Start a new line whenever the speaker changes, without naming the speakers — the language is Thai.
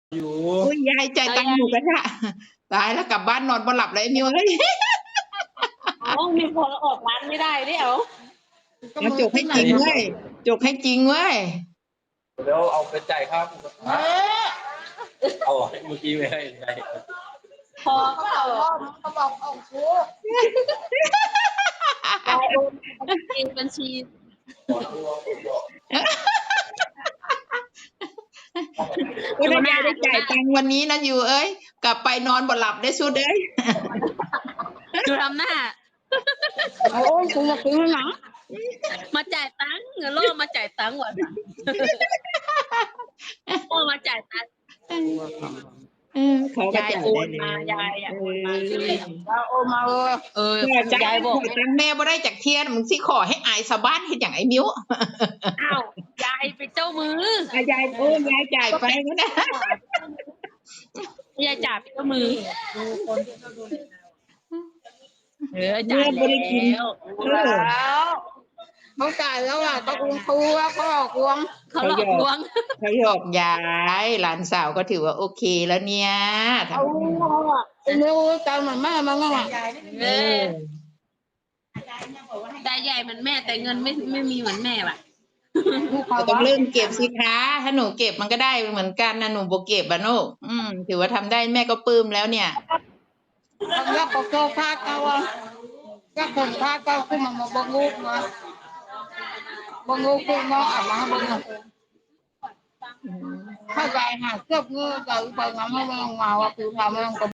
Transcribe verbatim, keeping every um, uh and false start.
อยู่
อุ้ยยายจ่ายตังค์หมูกระทะตายแล้วกลับบ้านนอนบ่หลับเลยมิวเอ้ย
อ๋อมีพอออกร้านไม่ได้เดี๋ยว
เอาจกให้จริงเว้ยจกให้จริงเว้ย
เดี๋ยวเอาไปจ่ายค่าหมูกระทะเอาเมื่อกี้ไม่ให้ใจ
พอก็เอาเขาบอกเอาชูยายโอนบัญชีบัญชี
อุ้ยถ้ายายได้จ่ายตังค์วันนี้นะอยู่เอ้ยกลับไปนอนบ่หลับได้สุดเอ้ย
ดูทำหน้า
โอ้ยกูอยากกินหนัง
มาจ่ายตังค์เงินโล่มาจ่ายตังค์ว่ะโล่มาจ่ายตังค์
เออเขาก็
ยาย
จ่าย
โอ
ได้
น
เล
มายายอ่ะ
เอ
โอนมา
อ
ยายโอนมาเออเออ
ขอจัง
ยายบอก
ขอจังแม่บ่ได้จากเทียนมึงสิขอให้อายชาวบ้านเฮ็ดอย่างไอ้มิ้ว
อ้าวยายเป็นเจ้ามือ
อ่ะยายโอ้ยยายจ่ายไปก็ได้
ยายจ่ายเป็นเจ้ามือเออ
เมื่
จ่า
อย บ่ได้กิน
แล้ว
เออ
เขาจ่ายแล้วอ่ะตะกุงตัวเขาหลอกลวงเขาหลอกลวง
เขาหยอกยายหลานสาวก็ถือว่าโอเคแล้วเนี่ยทำ
เอาอ่ะนิ้วใจเหมือนแม่มันอ่ะเอ
เอ
อ
อ
ได้ใหญ่เหมือนแม่แต่เงินไม่ไม่มีเหมือนแม่ว่ะ
ก็ต้องเริ่มเก็บสิคะถ้าหนูเก็บมันก็ได้เหมือนกันนะหนูบ่เก็บอ่ะลูกอืมถือว่าทำได้แม่ก็ปลื้มแล้วเนี่ย
แล้วก็โซ่พาเก่าอ่ะก็คนพาเก่าขึ้นมามาบังงูมาบังงูขึ้นมาอ่ะมาบังงูถ้าใจหาเกือบงูจะไปงานให้มันมาว่าคือทำมันก็